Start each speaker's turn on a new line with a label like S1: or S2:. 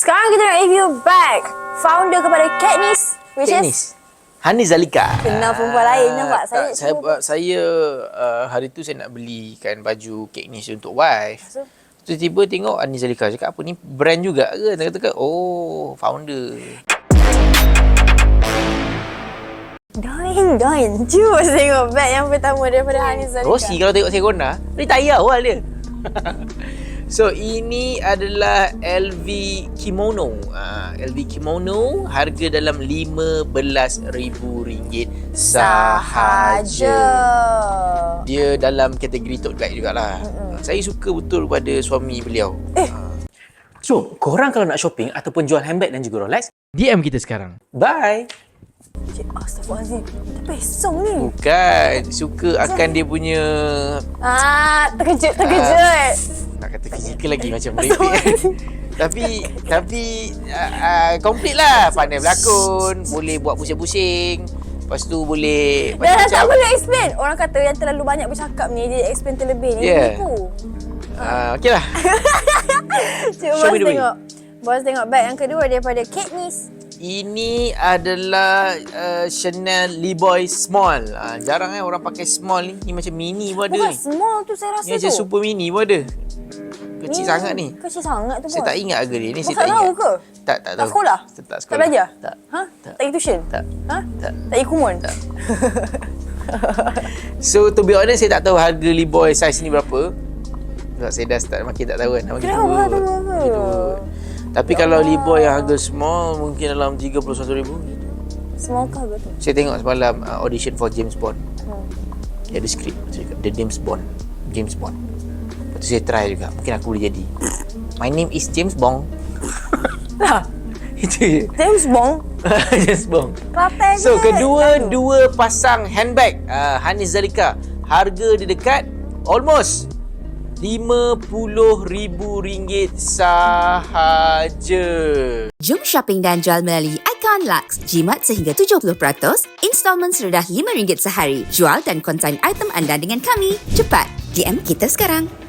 S1: Sekarang kita nak review bag founder kepada Katniss, which is
S2: Hani Zalika.
S1: kenal perempuan lain, nampak?
S2: Saya hari tu saya nak belikan baju Katniss untuk wife. Tiba-tiba tengok Hani Zalika, cakap apa ni brand juga ke? Kata-kata oh founder.
S1: Doin. Cuba tengok bag yang pertama daripada Hani Zalika.
S2: Rosie kalau tengok Serona, dia tak payah awal dia. So ini adalah LV Kimono. LV Kimono harga dalam RM15,000 sahaja. Dia dalam kategori tote bag jugalah. Saya suka betul pada suami beliau.
S3: So, korang kalau nak shopping ataupun jual handbag dan juga Rolex,
S2: DM kita sekarang. Bye.
S1: Astaghfirullahaladzim. Terpesong ni.
S2: Bukan, suka akan dia punya
S1: Terkejut.
S2: nak kata fizikal lagi macam merepek. Tapi komplit lah. Pandai berlakon, boleh buat pusing-pusing. Lepas tu boleh
S1: Dah tak perlu explain. Orang kata yang terlalu banyak bercakap ni, dia explain terlebih ni.
S2: Yeah.
S1: Nipu.
S2: Okey lah.
S1: Cuba bos tengok. Bos tengok bag yang kedua daripada Katniss.
S2: Ini adalah Chanel Leeboy Small. Jarang orang pakai small ni. Ni macam mini pun ada
S1: Bukan
S2: ni.
S1: small tu saya rasa
S2: Ni
S1: tu.
S2: macam super mini pun ada. Kecil sangat ni.
S1: Kecil sangat tu.
S2: Saya tak ingat harga dia ni.
S1: Bos
S2: Saya tak
S1: tak tahu
S2: ingat.
S1: ke?
S2: Tak
S1: Tak
S2: tahu.
S1: sekolah?
S2: Tak
S1: Tak
S2: sekolah.
S1: belajar?
S2: Tak.
S1: Ha?
S2: Tak.
S1: Tak pergi tuition?
S2: Tak.
S1: Ha?
S2: Tak.
S1: Tak pergi kumon?
S2: Tak. So to be honest, saya tak tahu harga Leeboy size ni berapa. Sebab saya dah start makin tak tahu kan. Makin
S1: Kenapa?
S2: turun.
S1: Tak tahu
S2: Makin
S1: apa?
S2: turun. Tapi kalau Leeboy yang harga small mungkin dalam RM31,000.
S1: Small ke harga tu?
S2: Saya tengok semalam audition for James Bond. Dia ada skrip cakap The James Bond. Lepas tu saya try juga. Mungkin aku boleh jadi. My name is James Bond.
S1: Lah,
S2: Itu je.
S1: James Bond.
S2: James Bond.
S1: Kelate
S2: So
S1: je.
S2: dua pasang handbag Hani Zalika. Harga dia dekat almost RM50,000 sahaja.
S4: Jom shopping dan jual melalui Icon Lux. Jimat sehingga 70%, installment serendah RM5 sehari. Jual dan konsign item anda dengan kami. Cepat, DM kita sekarang.